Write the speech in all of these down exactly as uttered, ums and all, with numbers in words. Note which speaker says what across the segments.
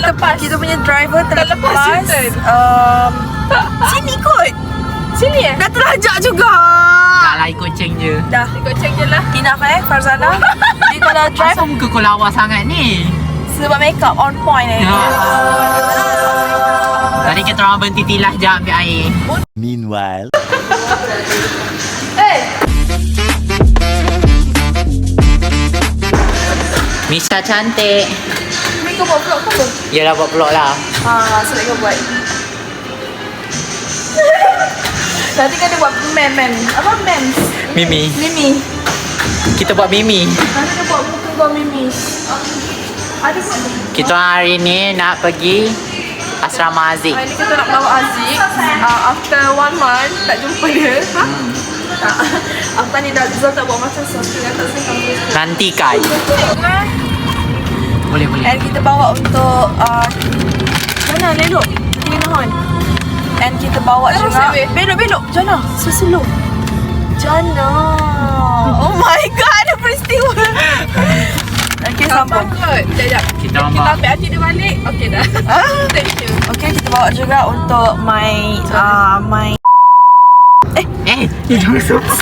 Speaker 1: terlepas. Kita punya driver terlepas.
Speaker 2: Terlepas
Speaker 1: um, Sini kot.
Speaker 2: Sini eh?
Speaker 1: Dah terlajak juga.
Speaker 3: Tak lah, ikut ceng je.
Speaker 1: Dah.
Speaker 2: Ikut cek je lah.
Speaker 1: Enough eh Farzana. Dia kalau drive
Speaker 3: Asal muka kau lawa sangat ni?
Speaker 1: sebab makeup on point eh.
Speaker 3: Ya. Tadi kita orang berhenti tilas je ambil air.
Speaker 4: Meanwhile,
Speaker 3: Misha cantik.
Speaker 1: Mereka buat vlog ke apa?
Speaker 3: Yelah, buat vlog lah.
Speaker 1: Haa, so mereka buat. Nanti kan dia buat mem-mem. Apa mem?
Speaker 3: Mimi.
Speaker 1: Mimi.
Speaker 3: Kita buat Mimi.
Speaker 1: Nanti dia buat muka kau Mimi. Ada pun.
Speaker 3: Kita hari ni nak pergi asrama Aziz.
Speaker 2: Hari ni kita nak bawa Aziz. uh, After one month tak jumpa dia. Ha?
Speaker 3: Hmm.
Speaker 2: Tak. After ni dah Zul tak buat macam so. Kita tak sini kamu.
Speaker 3: Nanti kai. Boleh, boleh.
Speaker 1: And kita bawa untuk uh, Jana, lelok. Kita kena hon. And kita bawa
Speaker 2: Terus,
Speaker 1: juga
Speaker 2: Ewe.
Speaker 1: belok, belok. Jana, slow. Jana. Oh my god, ada peristiwa. Okay, sambung.
Speaker 2: Kot. Sekejap.
Speaker 3: Kita
Speaker 2: Kita
Speaker 3: bawa.
Speaker 2: ambil Aziz dia balik. Okay dah.
Speaker 1: Ah.
Speaker 2: Thank you.
Speaker 1: Okay, kita bawa juga untuk my uh, my
Speaker 3: Eh, jangan sebut.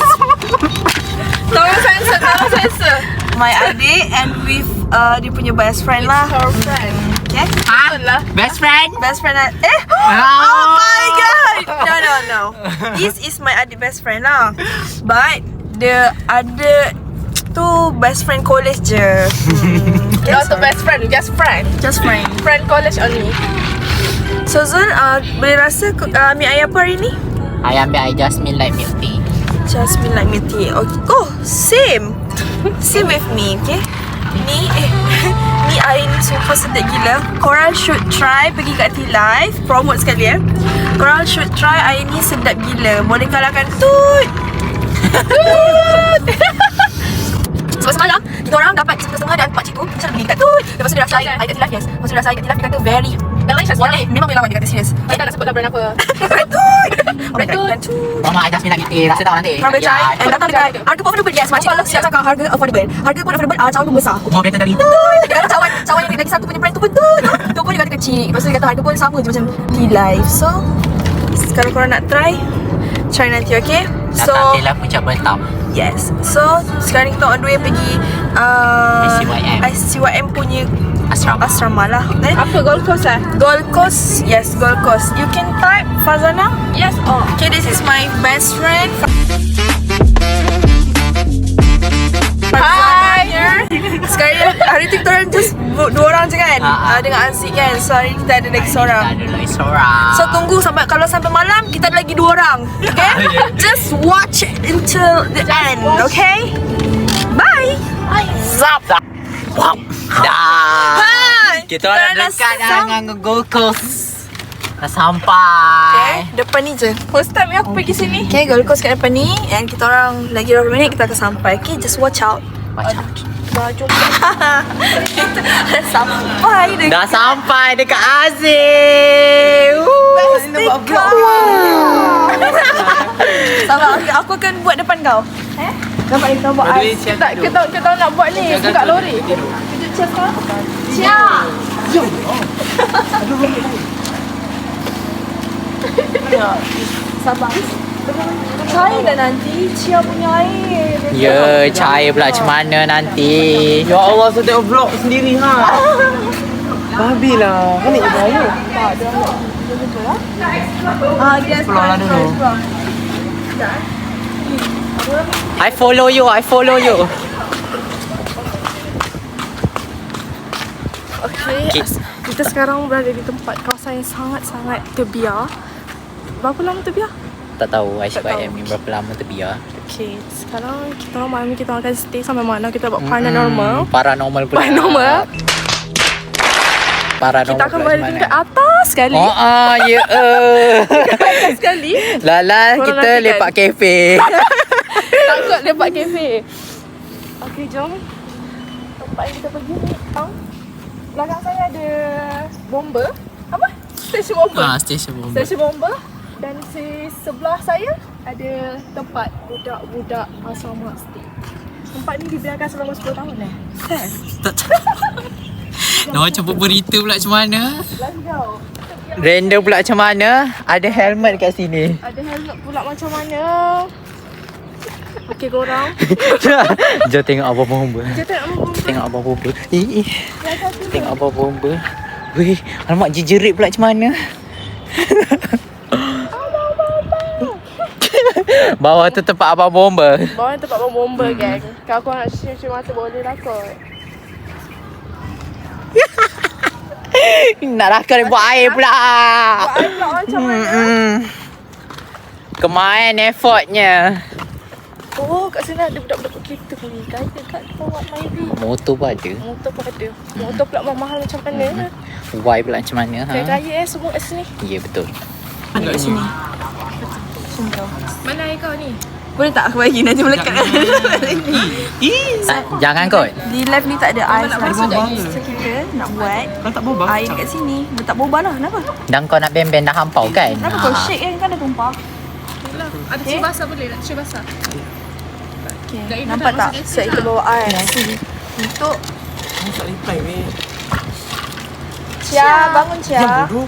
Speaker 2: Tolong sensor, tolong sensor.
Speaker 1: my adik and with uh, dia punya best friend lah.
Speaker 2: Her friend.
Speaker 1: Okay.
Speaker 3: Ha?
Speaker 2: Betul lah.
Speaker 3: Best friend?
Speaker 1: Best friend lah. Eh.
Speaker 3: Ah.
Speaker 1: Oh my god. No no no. This is my adik best friend lah. But the other tu best friend college je. Hmm. Okay,
Speaker 2: Not the
Speaker 1: sorry.
Speaker 2: best friend, just friend.
Speaker 1: Just friend.
Speaker 2: Friend college only.
Speaker 1: So Zul, uh, boleh rasa uh, ambil air apa hari ni?
Speaker 3: I ambil air jasmine light milk tea.
Speaker 1: Jasmine like milk tea. Okay. Oh, same. Same with me, okay? Ni, eh, ni air ni super sedap gila. Korang should try pergi kat T-Live. Promote sekali eh. Korang should try air ni sedap gila. Boleh kalahkan Tut. Tut. Sebab semalam, kita orang dapat setengah dan empat cikgu. Macam beli kat Tut. Lepas tu dia rasa air, air kat T-Live, yes. Lepas tu dia rasa air kat T-Live, dia kata very
Speaker 2: Delicious.
Speaker 1: Boleh, memang boleh lawan dia kata serius.
Speaker 2: Kita nak sebut dah brand apa.
Speaker 1: Tut. Alright,
Speaker 2: Tut.
Speaker 1: dan Tut.
Speaker 3: Mama air jasmine light milk tea. Rasa tak nanti?
Speaker 1: Korang boleh try.
Speaker 3: Ya.
Speaker 1: And datang dekat harga pun affordable. Yes, makcik siap cakap harga affordable. Harga pun affordable, ah, cawan pun besar.
Speaker 3: More better dari itu.
Speaker 1: Dia kata cawan, cawan yang lagi satu punya brand tu pun tu. Tu pun dia kata kecil. Lepas tu dia kata harga pun sama je macam T-Live. So, kalau korang nak try, try nanti, okay? So,
Speaker 3: Datang Tela Puncak Bentam.
Speaker 1: yes. So, sekarang kita on the way pergi uh,
Speaker 3: I C Y M.
Speaker 1: I C Y M punya
Speaker 3: Asrama.
Speaker 1: asrama lah. Eh?
Speaker 2: Apa Gold Coast lah?
Speaker 1: Gold Coast, yes, Gold Coast. You can type Fazana.
Speaker 2: Yes, oh.
Speaker 1: Okay, this is my best friend.
Speaker 2: Hi.
Speaker 1: Here. Sekarang hari tu kita orang just bu- dua orang je kan,
Speaker 3: Ha, ha.
Speaker 1: uh, dengan Aziz kan. So hari ni kita ada lagi seorang.
Speaker 3: Ada lagi seorang.
Speaker 1: So tunggu sampai kalau sampai malam kita ada lagi dua orang. Okay? Just watch it until the end. Okay? Bye.
Speaker 3: Zap. Wow. Dah.
Speaker 1: Hai.
Speaker 3: Kita orang
Speaker 1: dah
Speaker 3: dekat dah
Speaker 1: sam-
Speaker 3: dengan Gold Coast. Dah sampai.
Speaker 1: Okay, depan ni je.
Speaker 2: First time aku pergi sini.
Speaker 1: Okay, Gold Coast kat depan ni. And kita orang lagi berapa minit kita akan sampai. Okay, just watch out.
Speaker 3: Macam.
Speaker 2: Dah jumpa.
Speaker 1: Kita dah sampai dekat.
Speaker 3: Dah sampai dekat Aziz. Woo,
Speaker 1: Nampak vlog. Sabar, okay, aku akan buat depan kau. Eh? Nampak ni kita buat
Speaker 3: Aduh,
Speaker 1: ais.
Speaker 3: siap
Speaker 2: Tak,
Speaker 3: tidur.
Speaker 2: kita kita nak buat ni dekat lori.
Speaker 1: Kejut chef kau.
Speaker 2: Siap.
Speaker 1: Sabar. Cair dah nanti. Cia punya air.
Speaker 3: Ya, cair pula macam mana nanti.
Speaker 5: Ya Allah, saya tengok vlog sendiri ha. Babi lah. Kan ni bahaya.
Speaker 1: Ah, dia
Speaker 5: Pulang lah dulu.
Speaker 3: I follow you, I follow you.
Speaker 2: Okay,
Speaker 3: Okay.
Speaker 2: kita sekarang berada di tempat kawasan yang sangat-sangat terbiar. Berapa lama terbiar?
Speaker 3: Tak tahu I C
Speaker 2: Tak
Speaker 3: Y M
Speaker 2: tahu.
Speaker 3: ni berapa lama terbiar.
Speaker 2: Okay, sekarang kita orang malam ni kita akan stay sampai mana kita buat paranormal.
Speaker 3: Hmm, paranormal pula.
Speaker 2: Paranormal.
Speaker 3: Paranormal.
Speaker 2: Kita akan
Speaker 3: pula
Speaker 2: berada
Speaker 3: macam
Speaker 2: tingkat
Speaker 3: mana?
Speaker 2: atas sekali.
Speaker 3: Oh ah, ya. eh.
Speaker 2: Atas sekali.
Speaker 3: Lala,
Speaker 2: Korang
Speaker 3: kita
Speaker 2: nantikan.
Speaker 3: lepak kafe.
Speaker 2: Takut lepak kafe. Okay, jom. Tempat yang kita pergi ni, tau. Belakang saya ada bomba. Apa? Stesen bomba.
Speaker 3: Ah, stesen bomba.
Speaker 2: Stesen bomba. Dan di sebelah saya ada tempat budak-budak asrama stay. Tempat ni dibiarkan selama sepuluh tahun eh.
Speaker 3: Tak Nak macam berita pula macam mana?
Speaker 2: Let's go.
Speaker 3: Random pula macam mana? Ada helmet kat sini.
Speaker 2: Ada helmet pula macam mana? Okey korang.
Speaker 3: Jom tengok apa bomba.
Speaker 2: Kita tengok bomba.
Speaker 3: Tengok apa bomba. Eh, eh. Tengok apa bomba. Weh, alamak jejerit pula macam mana? Bawah tu tempat abang bomba.
Speaker 2: Bawah ni tempat bomba gang. Kalau kau nak cium-cium mata boleh lah kot.
Speaker 3: Nak rakam dia buat air pula.
Speaker 2: Buat air pula macam mana?
Speaker 3: Hmm. Kemain effortnya.
Speaker 2: Oh, kat sini ada budak-budak kereta pun. Kaya kat bawah Myvi.
Speaker 3: Motor pun ada.
Speaker 2: Motor pun ada. Motor pula mahal macam mana?
Speaker 3: Y pula macam mana? Ha?
Speaker 2: Kaya-kaya eh semua kat sini.
Speaker 3: Ya betul.
Speaker 1: Kat sini.
Speaker 2: Mana air kau ni?
Speaker 1: Boleh tak aku bagi nanti melekat kat
Speaker 3: Tak, jangan kot.
Speaker 1: Di live ni tak ada ais
Speaker 2: nak
Speaker 1: lagi.
Speaker 2: masuk lagi?
Speaker 1: So kita nak buat
Speaker 5: Kau tak boba?
Speaker 1: air kat sini. Letak boba lah. Kenapa?
Speaker 3: Dan kau nak band-band dah hampau kan?
Speaker 1: Kenapa kau shake kan? Kan ada tumpah.
Speaker 2: Ada cium basah boleh? Nak cium basah?
Speaker 1: Okay.
Speaker 2: Dah, Ina
Speaker 1: Nampak
Speaker 2: dah
Speaker 1: tak?
Speaker 2: masuk
Speaker 1: So kita bawa ais. Untuk
Speaker 5: Tak reply weh.
Speaker 1: Cia. Bangun Cia.
Speaker 5: Diam bodoh.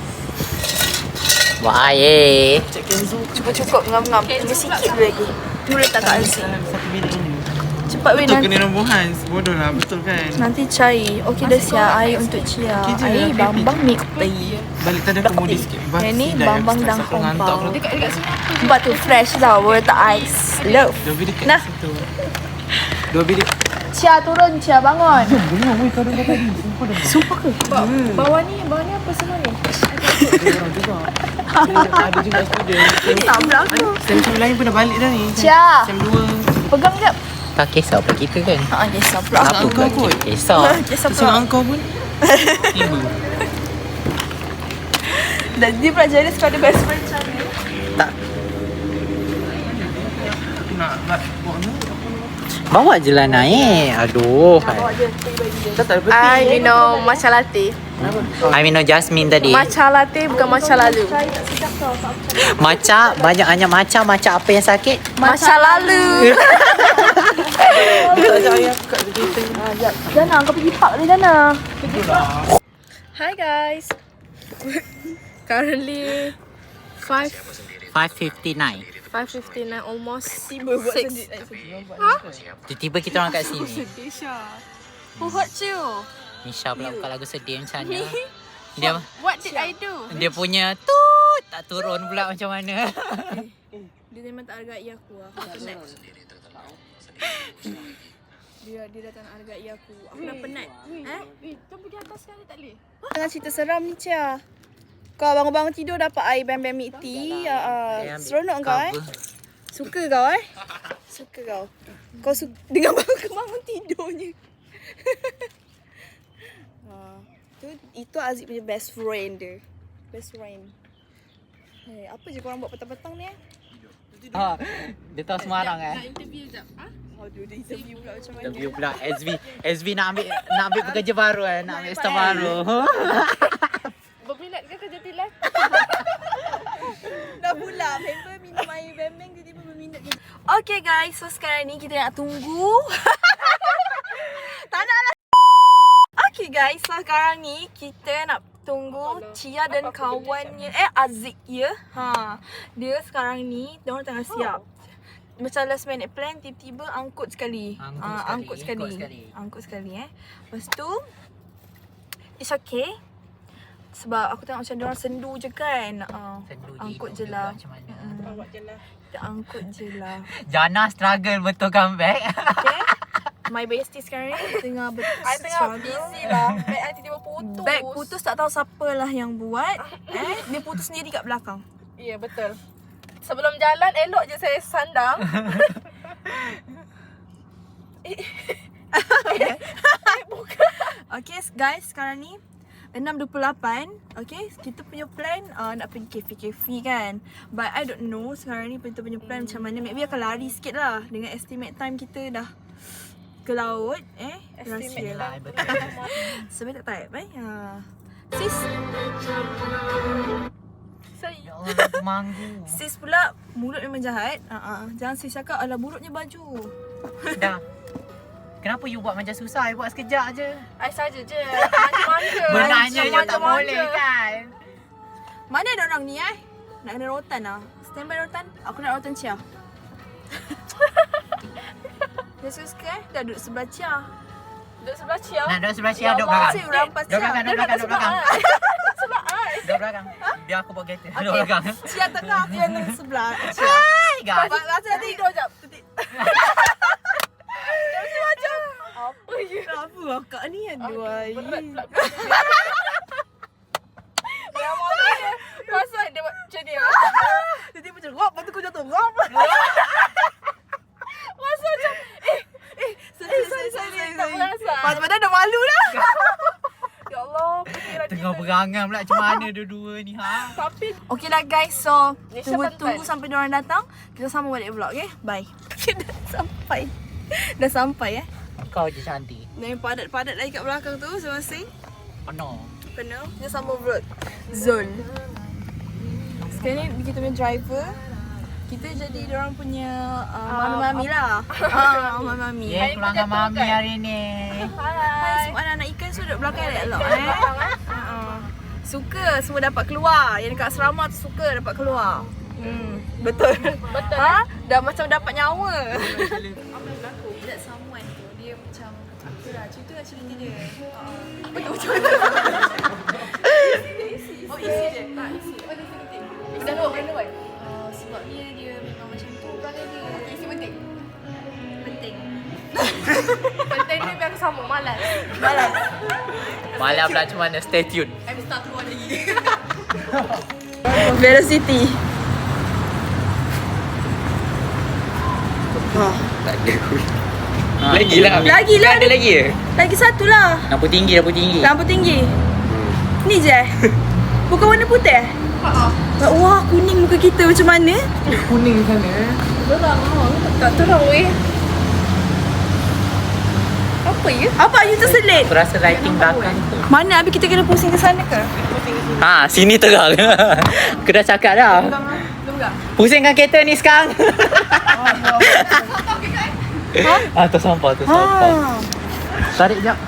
Speaker 3: Buat air.
Speaker 5: Cek Kenzo.
Speaker 1: Cukup-cukup ngam-ngam. Tunggu sikit dulu lagi. Tu letak kat air.
Speaker 5: Dalam satu minit ini.
Speaker 1: Cepat weh
Speaker 5: Betul
Speaker 1: nanti.
Speaker 5: kena nombor Hans. Bodoh lah. Betul kan?
Speaker 1: Nanti cair. Okey dah siap air untuk Cia.
Speaker 5: Okey je,
Speaker 1: Air
Speaker 5: happy,
Speaker 1: bambang milk tea.
Speaker 5: Balik tadi aku mudi sikit.
Speaker 1: Yang ni bambang dah kompang.
Speaker 2: Dekat dekat sini.
Speaker 1: Buat tu fresh tau. Boleh letak ais. Love.
Speaker 5: Dua bilik kat
Speaker 1: Nah.
Speaker 5: situ. Dua bilik.
Speaker 1: Cia turun. Cia bangun.
Speaker 5: Dengar weh kau dengar tadi. Sumpah dah.
Speaker 1: Sumpah ke?
Speaker 2: Bawah ni, bawah ni apa semua ni?
Speaker 5: Ada orang juga. Ada juga student.
Speaker 1: Tak pula aku.
Speaker 5: Sem-sem lain pun dah balik dah ni.
Speaker 1: Cia.
Speaker 5: Sem dua.
Speaker 1: Pegang jap.
Speaker 3: Tak kisah pula kita kan?
Speaker 1: Haa, kisah pula.
Speaker 3: Apa
Speaker 5: kau
Speaker 3: pula
Speaker 5: kot?
Speaker 3: kita kisah?
Speaker 1: Kisah
Speaker 5: Tengok
Speaker 1: pula.
Speaker 5: engkau pun. Tiba.
Speaker 1: Dan dia pula jealous kau ada best friend macam ni.
Speaker 3: Tak.
Speaker 5: Nak nak buat ni.
Speaker 3: Bawa je lah naik. Aduh.
Speaker 1: Bawa je. Pergi bagi dia.
Speaker 5: Dah tak ada
Speaker 2: I minum matcha latte.
Speaker 3: I minum Jasmine tadi.
Speaker 2: Matcha latte bukan matcha lalu.
Speaker 3: Maca, banyak banyak maca. Maca apa yang sakit?
Speaker 2: Matcha lalu.
Speaker 5: Tak ajak ayah kat kereta.
Speaker 1: Jana, kau pergi park ni Jana.
Speaker 2: Hi guys. Currently five
Speaker 3: five fifty-nine.
Speaker 2: five fifty nine almost
Speaker 1: Tiba buat
Speaker 2: six.
Speaker 1: sendiri.
Speaker 3: Tiba-tiba kita orang kat sini.
Speaker 2: Who hurt you?
Speaker 3: Nisha pula buka lagu sedih macam mana. Dia
Speaker 2: What did I do?
Speaker 3: dia punya tut tak turun pula macam mana.
Speaker 1: Dia memang tak hargai aku. Aku penat. Dia dia datang nak hargai aku. Aku dah penat. Eh?
Speaker 2: Eh, jom pergi atas sekali tak boleh?
Speaker 1: Tengah cerita seram ni Cia. Kau bangun-bangun tidur dapat air bam-bam milk tea. Uh, seronok kau eh? Suka kau eh? Suka kau. Kau suka dengan bangun-bangun tidurnya. uh, tu, itu Aziz punya best friend dia. Best friend. Hey, apa je korang buat petang-petang ni eh?
Speaker 3: Ha, dia tahu Semarang eh.
Speaker 2: Nak interview jap. Ha?
Speaker 1: Aduh, dia interview pula macam mana?
Speaker 3: Interview pula S V. S V nak ambil nak ambil pekerja baru eh, nak ambil staff baru.
Speaker 2: Berminat ke kerja tilas?
Speaker 1: Dah pula member minum air bam-bam tiba-tiba berminat je. Okay guys, so sekarang ni kita nak tunggu. Tak nak lah. Okay guys, so sekarang ni kita nak tunggu Cia dan kawannya eh Aziz ya. Ha. Dia sekarang ni dia orang tengah siap. Macam last minute plan tiba-tiba angkut sekali.
Speaker 3: Angkut
Speaker 1: Ah,
Speaker 3: sekali,
Speaker 1: angkut sekali.
Speaker 3: angkut sekali.
Speaker 1: Angkut sekali eh. Lepas tu it's okay. Sebab aku tengok macam dia orang sendu je kan. Uh,
Speaker 3: Sendu je,
Speaker 1: angkut
Speaker 3: ikut
Speaker 1: je lah.
Speaker 3: macam mana.
Speaker 1: Mm.
Speaker 2: Bawa je lah.
Speaker 1: Kita angkut je lah.
Speaker 3: Jana struggle betul comeback.
Speaker 1: Okay. My bestie sekarang ni tengah ber-
Speaker 2: I tengah busy lah. Bag I tiba-tiba putus.
Speaker 1: Bag putus tak tahu siapa lah yang buat. Eh, dia putus sendiri kat belakang.
Speaker 2: Ya, yeah, betul. Sebelum jalan, elok je saya sandang.
Speaker 1: Okay guys, sekarang ni enam dua puluh lapan. Okay, kita punya plan uh, nak pergi kafe-kafe kan. But I don't know sekarang ni kita punya plan macam mana. Maybe akan lari sikit lah. Dengan estimate time kita dah ke laut. Eh, rahsia lah. Sebab tak type eh. Ha. Sis. Sorry.
Speaker 3: Ya Allah, aku manggu.
Speaker 1: Sis pula mulut memang jahat. Uh-uh. Jangan sis cakap ala buruknya baju.
Speaker 3: Dah. Kenapa you buat macam susah? You buat sekejap je.
Speaker 2: I saja je. Manja-manja.
Speaker 3: Benarnya je tak
Speaker 2: Manja-manja.
Speaker 3: boleh kan?
Speaker 1: Mana ada orang ni eh? Nak kena rotan lah. Stand by rotan. Aku nak rotan Chia. Dia suka eh? Dah duduk sebelah Chia.
Speaker 2: Duduk sebelah Chia.
Speaker 3: Nak duduk sebelah Cia,
Speaker 2: Ya
Speaker 3: duduk
Speaker 2: Allah,
Speaker 3: belakang.
Speaker 1: Cik rampas
Speaker 3: Duduk
Speaker 1: Chia.
Speaker 3: belakang,
Speaker 2: Dia
Speaker 3: duduk
Speaker 2: nak
Speaker 3: belakang, duduk belakang.
Speaker 2: Sebab I.
Speaker 3: Duduk belakang. Biar aku bawa kereta. Duduk belakang.
Speaker 1: Chia tengah, Chia yang sebelah Chia.
Speaker 3: Hai guys.
Speaker 1: Rasa dah tidur jap. Titik. Dia mesti macam
Speaker 2: Apa je?
Speaker 1: apa akak ni aduh ai.
Speaker 2: Berat pula. Yang mana dia? Masa dia buat macam ni.
Speaker 1: Titik macam ngap, lepas tu kau jatuh ngap.
Speaker 2: Masa macam eh
Speaker 1: Eh, sorry, sorry, sorry.
Speaker 2: tak perasan.
Speaker 1: Padahal dah malu dah.
Speaker 2: ya Allah, pikiran
Speaker 3: Tengah
Speaker 2: kita.
Speaker 3: berangan pula macam mana dua-dua ni ha.
Speaker 2: Tapi
Speaker 1: Okay lah guys, so
Speaker 2: Nisha
Speaker 1: tunggu,
Speaker 2: pantai.
Speaker 1: tunggu sampai diorang datang. Kita sambung balik vlog, okay? Bye. Dah sampai. Dah sampai eh.
Speaker 3: Kau je cantik.
Speaker 1: Dan yang padat-padat lagi kat belakang tu masing-masing.
Speaker 3: Oh no.
Speaker 1: Penuh. Kita sambung vlog. Zone. Sekarang ni kita punya driver. Kita jadi diorang punya uh, mami-mami lah. Ah, mami-mami.
Speaker 3: Yeah, keluarga mami hari ni.
Speaker 1: Hai,
Speaker 2: hai.
Speaker 1: semua anak-anak ikan semua duduk belakang elok eh. Uh-uh. Suka semua dapat keluar. Yang dekat asrama tu suka dapat keluar. Hmm, betul.
Speaker 2: Betul.
Speaker 1: Ha? Dah macam dapat nyawa. That someone tu dia macam itulah cerita lah cerita dia. Uh, betul betul. Oh isi dia. Tak isi. Oh isi penting.
Speaker 2: Dah luar, dah luar.
Speaker 1: Uh, sebabnya dia memang macam tu perangai dia.
Speaker 2: Isi penting.
Speaker 1: Penting.
Speaker 2: Penting ni biar aku sambung malas.
Speaker 1: Balas.
Speaker 3: Malam pula macam mana? Stay tune.
Speaker 2: I'm start keluar lagi.
Speaker 1: Velocity.
Speaker 3: Tak ada. Lagi lah.
Speaker 1: Lagi lah.
Speaker 3: Ada lagi ke?
Speaker 1: Lagi satu lah.
Speaker 3: Lampu tinggi, lampu tinggi.
Speaker 1: Lampu tinggi. Ni je. Bukan warna putih.
Speaker 2: Ha.
Speaker 1: Wah, kuning muka kita macam mana?
Speaker 5: Kuning sana.
Speaker 2: Terang ah. Tak terang weh. Apa ya?
Speaker 1: Apa you terselit?
Speaker 3: Aku rasa lighting belakang tu.
Speaker 1: Mana habis kita kena pusing ke sana ke?
Speaker 3: Ha, sini terang. Aku dah cakap dah. Pusingkan kereta ni sekarang.
Speaker 1: Ha?
Speaker 3: Ah, tersampah, tersampah.
Speaker 1: Ha.
Speaker 3: Tarik jap.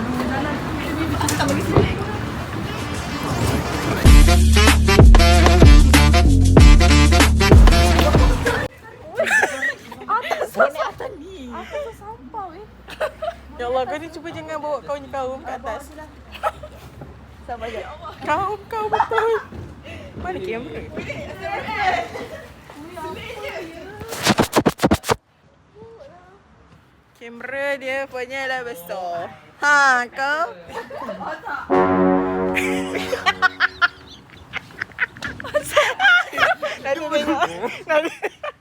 Speaker 5: Ya Allah, kau ni cuba jangan bawa kau ni kaum kat atas. Sabar je. Kau, kau betul. Mana kamera? Kamera dia punya lah besar. Ha, kau? Nanti tengok. Nanti.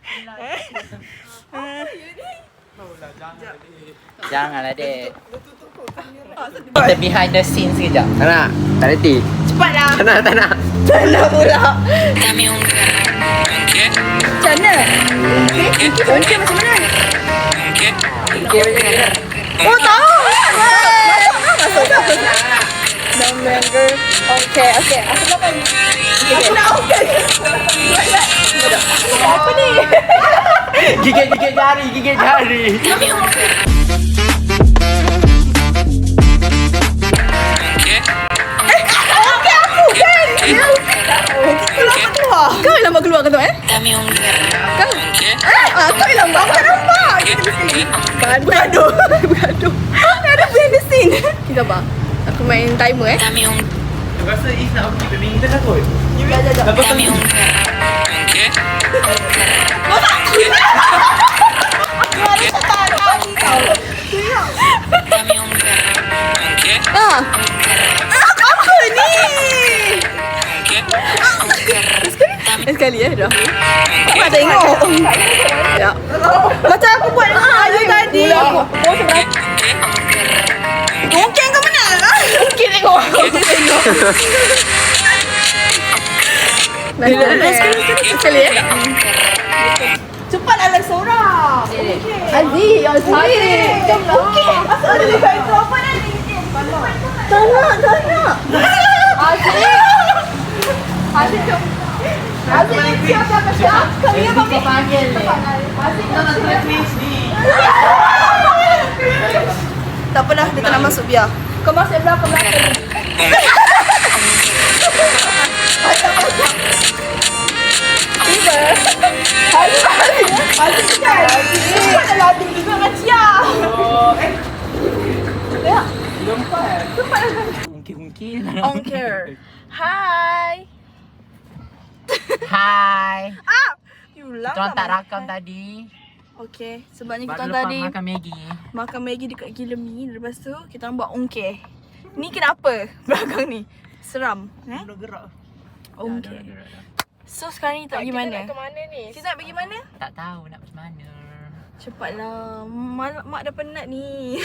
Speaker 3: Janganlah, dek. Kita behind the scenes sekejap.
Speaker 5: Tak nak. Tak reti.
Speaker 1: Cepatlah.
Speaker 5: Tak nak, tak nak.
Speaker 1: Tak nak pula. Macam mana? Ongkir macam mana? Oh, tahu. Masuk, masuk. Nombor girl. Okay, okay. Aku nak apa ni? Aku nak okay. Apa ni?
Speaker 3: Gigit-gigit jari, gigit jari.
Speaker 1: Keluar. Kau yang lambat keluar ke tu eh? Kau? Eh, ah, kau yang lambat. Bukan nampak. Kita di sini. Bergaduh. Bergaduh. Ada behind the scene. Kita apa? Aku main timer eh.
Speaker 5: Aku rasa Is nak pergi badminton lah kot.
Speaker 1: Jap, jap, jap.
Speaker 5: Lepas tu
Speaker 1: Kau tak kira. Kau ada tak tahu kau. Ah. Apa ni? Sekali, sekali eh dah. Tak tengok. Ya. Macam aku buat dengan Ayu tadi. Mungkin kau mana? Mungkin tengok. Tengok. Sekali, sekali, sekali eh. Cepatlah lagi seorang. Aziz, Aziz. Okey. Asal ada dekat itu apa nanti? Tak nak, tak nak. Aziz. Aziz, jom. Aziz, siapa siapa siapa? Kami apa panggil ni? Aziz, nak nak twist ni. Tak apalah, dia tak nak masuk biar. Kau masuk belah, kau belakang. Tiba. Hari hari. Hari kan. Kau dah latih juga dengan Cia. Oh, eh. Ya.
Speaker 3: Lompat. Ungkit-ungkit.
Speaker 1: On care. Hai.
Speaker 3: Hai.
Speaker 1: Ah. You lah.
Speaker 3: Kita orang tak rakam tadi.
Speaker 1: Okay, sebabnya kita
Speaker 3: Baru
Speaker 1: orang
Speaker 3: lepas
Speaker 1: tadi
Speaker 3: makan Maggi.
Speaker 1: makan Maggi dekat Gila Mi. Lepas tu kita orang buat ongkeh. Ni kenapa belakang ni? Seram, eh?
Speaker 3: Dah gerak.
Speaker 1: Ongkeh. So sekarang ni tak pergi mana?
Speaker 2: Kita nak ke mana ni?
Speaker 1: Kita nak pergi mana?
Speaker 3: Tak tahu nak pergi mana.
Speaker 1: Cepatlah. Mak, mak dah penat ni.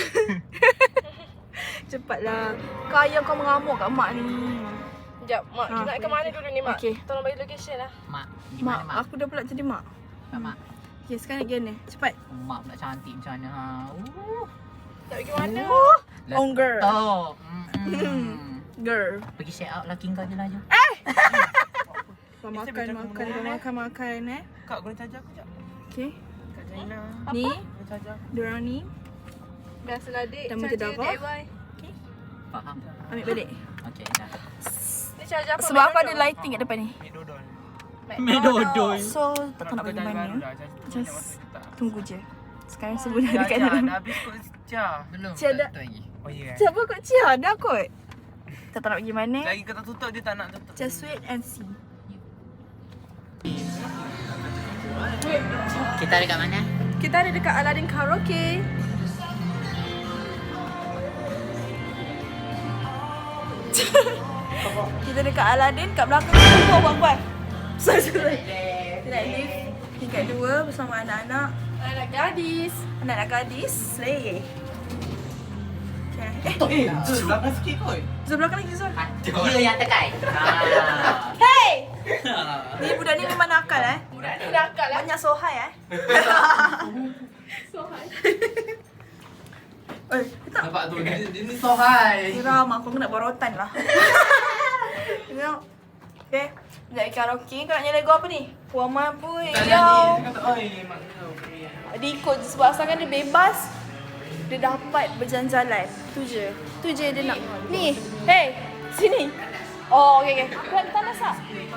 Speaker 1: Cepatlah. Kau ayam kau mengamuk kat mak ni.
Speaker 2: Sekejap, Mak. Kita
Speaker 1: Ha.
Speaker 2: nak ke mana dulu ni, Mak?
Speaker 1: Okey.
Speaker 2: Tolong bagi location lah.
Speaker 3: Mak, di
Speaker 1: Mak,
Speaker 3: mana mak?
Speaker 1: aku dah pula jadi mak.
Speaker 3: Mak, mak.
Speaker 1: Okay, sekarang nak pergi mana? Cepat.
Speaker 3: Mak pula cantik macam mana ha. Uh.
Speaker 2: Tak pergi mana?
Speaker 1: Oh, girl.
Speaker 3: Letok. Mm-mm.
Speaker 1: Girl.
Speaker 3: Pergi share out laki kau je lah je.
Speaker 1: Kau makan, makan, kau makan, makan eh.
Speaker 5: Kak, guna charger aku jap.
Speaker 1: Okay.
Speaker 5: Kak Jaina.
Speaker 1: Ni,
Speaker 5: Guna charger.
Speaker 1: diorang ni.
Speaker 2: Biasalah, dek.
Speaker 1: Dah mesti dah apa?
Speaker 2: D I Y.
Speaker 3: Faham.
Speaker 1: Ambil balik.
Speaker 3: Okey dah.
Speaker 2: Ni charger apa?
Speaker 1: Sebab aku ada lighting kat depan ni.
Speaker 5: Medodol.
Speaker 3: Medodol.
Speaker 1: So, tak tahu nak pergi mana. Just tunggu je. Sekarang semua dah
Speaker 5: Dah,
Speaker 1: dekat
Speaker 5: Cia,
Speaker 1: dalam.
Speaker 5: dah habis kot Cia.
Speaker 3: Belum.
Speaker 1: Cik dah-
Speaker 3: tak lagi.
Speaker 5: Oh ya.
Speaker 1: Siapa kot Cia? Dah kot. Tak tahu nak pergi mana.
Speaker 5: Lagi kau tak tutup, dia tak nak tutup.
Speaker 1: Just wait and see.
Speaker 3: Kita dekat mana?
Speaker 1: Kita ada dekat Aladdin Karaoke. Kita dekat Aladdin, kat belakang kita buat-buat. Sorry, sorry. Kita nak lift tingkat dua bersama anak-anak.
Speaker 2: Anak gadis.
Speaker 1: Anak-anak gadis, slay. Okay. Eh,
Speaker 5: Eh, Zul, belakang sikit kot.
Speaker 1: Zul belakang lagi Zul.
Speaker 3: Dia yang tekai. Ah.
Speaker 1: Hey! Ni budak ni memang nakal eh.
Speaker 2: Budak ni nakal lah.
Speaker 1: Banyak sohai eh.
Speaker 2: Sohan.
Speaker 1: Oi, tak.
Speaker 5: Nampak tu, dia, dia ni sohai.
Speaker 1: Geram aku kena borotan lah. Tengok. Okay. Nak pergi karaoke. Kau nak nyanyi lagu apa ni? Puan Mampu
Speaker 5: Tak
Speaker 1: Yo.
Speaker 5: nyanyi, dia kata, oi, mak kau.
Speaker 1: Dia ikut je sebab asalkan dia bebas. Dia dapat berjalan-jalan. Tu je. Tu je dia nak. Ni. Hey. Sini. Oh, okey okey. Kau nak tandas tak?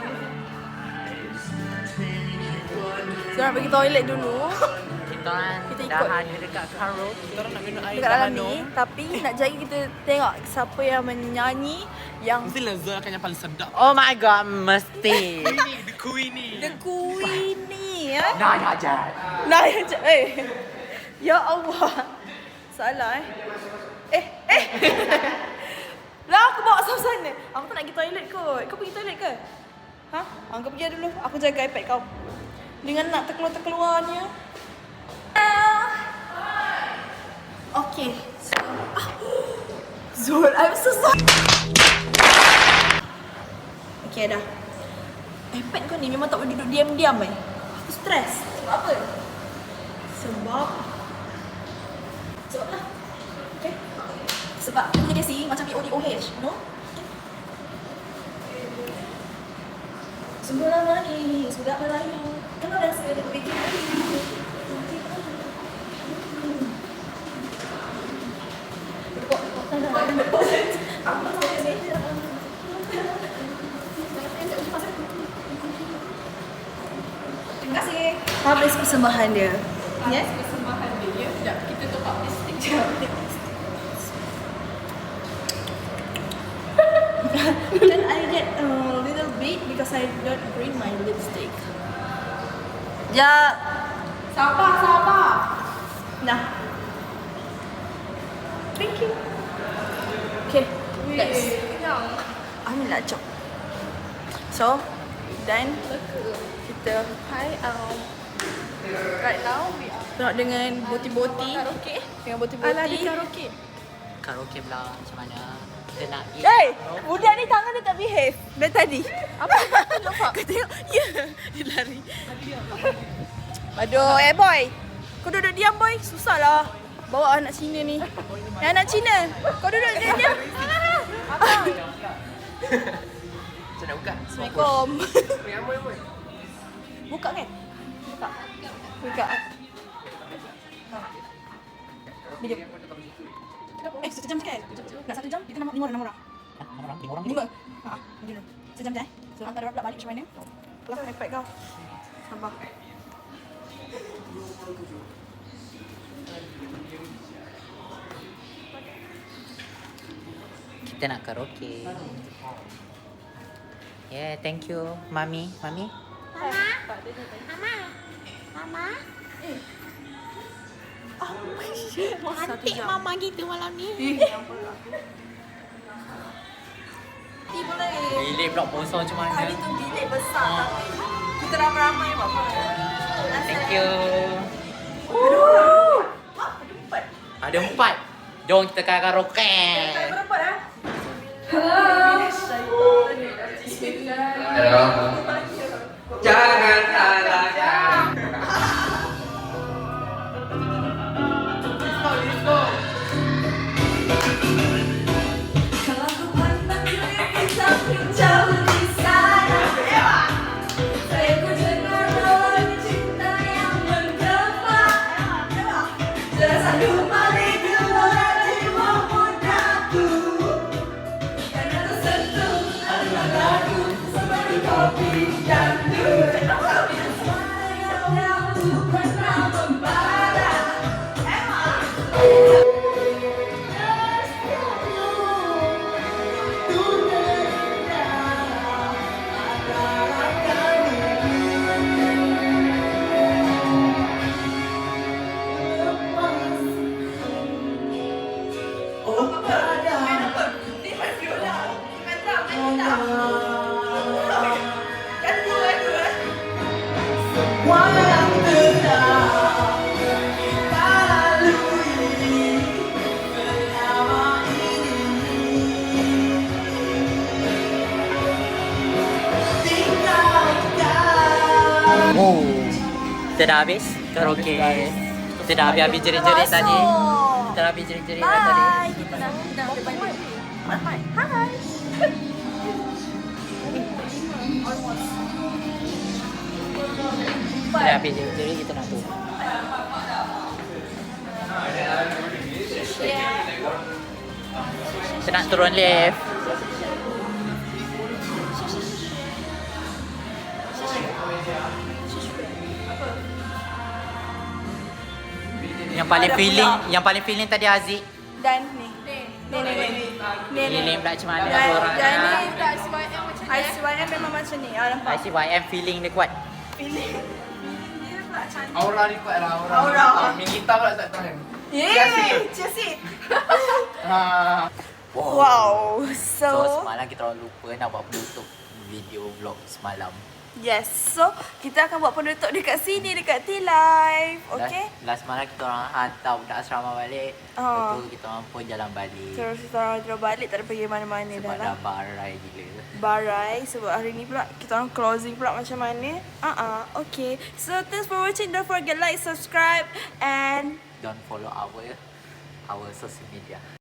Speaker 1: So, nak pergi toilet dulu.
Speaker 3: Kita orang
Speaker 1: Kita
Speaker 3: dah
Speaker 1: ikut.
Speaker 3: ada dekat karaoke.
Speaker 5: Kita orang nak minum air
Speaker 1: Dekat dalam ni. Tapi nak jadi kita tengok siapa yang menyanyi yang
Speaker 5: Mestilah Zul akan yang paling sedap.
Speaker 3: Oh my god, mesti.
Speaker 5: Ini, the queen ni.
Speaker 1: The Queen ni ya.
Speaker 3: Nah, dah jat.
Speaker 1: Nah, ya je. Eh. Ya Allah. Salah eh. Eh, eh. Lah aku bawa sampai sana. Aku tak nak pergi toilet kot. Kau pergi toilet ke? Ha? Ah, kau pergi dulu. Aku jaga iPad kau. Dengan nak terkeluar-terkeluarnya. Ah. Okay. So, ah. Zul, I'm so sorry. Okay, dah. iPad kau ni memang tak boleh duduk diam-diam eh. Aku stres. Sebab apa? Sebab Sebab lah. Okay. Sebab aku jadi si macam O D O H, you know? Sungguh lama ni, sudah berlalu. Kenapa dah saya bikin lagi? Terima kasih. Habis persembahan dia. Ya?
Speaker 2: Persembahan dia. Ya, sekejap. Kita top up lipstick je.
Speaker 1: Can I get a little bit because I don't bring my lipstick? Ya.
Speaker 2: Sabar, sabar.
Speaker 1: Nah. Thank you. Okay. Let's.
Speaker 2: Kenyang.
Speaker 1: Ambil lah cok. So, dan
Speaker 2: Leka.
Speaker 1: kita
Speaker 2: Hi, um, right now we are
Speaker 1: tengok dengan boti-boti.
Speaker 2: karaoke.
Speaker 1: Dengan boti-boti.
Speaker 2: Aladdin karaoke.
Speaker 3: Karaoke pula macam mana? Kita nak eat.
Speaker 1: Hey! Budak ni tangan dia tak behave. Dari tadi.
Speaker 2: Apa? Nampak?
Speaker 1: Kau tengok. Ya. Dia lari. Aduh, eh boy. Kau duduk diam boy. Susah lah. Bawa anak Cina ni. Eh, anak Cina. Kau duduk diam-diam.
Speaker 2: Apa?
Speaker 5: Macam nak buka?
Speaker 1: Assalamualaikum. Buka kan? Buka. Buka. Bila? satu jam kan? Nak satu jam, kita nama lima orang, enam orang.
Speaker 3: Hah, enam orang? Lima orang?
Speaker 1: Lima. Ha, macam tu. Sejam je eh. So, hantar orang pula balik macam mana? Lah, iPad kau. Sabar.
Speaker 3: Kita nak karaoke. Yeah, thank you, Mami. Mami?
Speaker 1: Cantik mama gitu malam ni. Eh, boleh.
Speaker 3: Bilik pula kosong macam mana?
Speaker 1: Tadi tu bilik besar tapi kita ramai-ramai buat apa?
Speaker 3: Thank you.
Speaker 1: Ada empat.
Speaker 3: Ada empat. Jom kita karaoke.
Speaker 1: Berapa dah?
Speaker 4: Jangan salahkan.
Speaker 1: Kalau ku pandang kiri tapi jauh di sana, saya ku dengar lawan cinta yang menggema. Terasa kembali gelora jiwa mudaku, karena tersentuh adalah lagu seperti kopi dan durian. Suara yang dahulu pernah membara.
Speaker 3: Oh, kita dah habis karaoke. Kita dah habis-habis jerit-jerit tadi. Kita dah habis jerit-jerit dah tadi.
Speaker 1: Bye. Kita dah kita dah balik. Bye. Hai.
Speaker 3: Kita dah habis jerit-jerit, kita nak turun. Kita nak turun lift. Yang paling feeling, yang paling feeling tadi Aziz.
Speaker 1: Dan ni. Ni ni ni. Ni ni.
Speaker 3: Feeling pula macam mana
Speaker 1: Dan,
Speaker 3: orang
Speaker 1: dan ni
Speaker 3: nak.
Speaker 2: Tak sebab yang macam
Speaker 1: I C Y M memang macam ni. Ah, nampak.
Speaker 3: I C Y M feeling dia kuat.
Speaker 1: Feeling. Dia pula cantik.
Speaker 4: Aura ni kuat lah. Aura.
Speaker 1: Aura.
Speaker 4: Minta pula tak tahu.
Speaker 1: Yeay. Cheers it.
Speaker 4: Ha.
Speaker 1: Wow.
Speaker 3: So
Speaker 1: So,
Speaker 3: semalam kita orang lupa nak buat penutup video vlog semalam.
Speaker 1: yes. So, kita akan buat penutup dekat sini, dekat T-Live. Okay?
Speaker 3: Last, last malam kita orang hantar budak asrama balik.
Speaker 1: Oh.
Speaker 3: Lepas tu kita orang pun jalan balik.
Speaker 1: Terus kita orang terus balik, tak ada pergi mana-mana dah
Speaker 3: Sebab
Speaker 1: lah.
Speaker 3: dah barai gila.
Speaker 1: Barai sebab hari ni pula kita orang closing pula macam mana. Ah uh -uh, okay. So thanks for watching. Don't forget like, subscribe and
Speaker 3: Don't follow our our social media.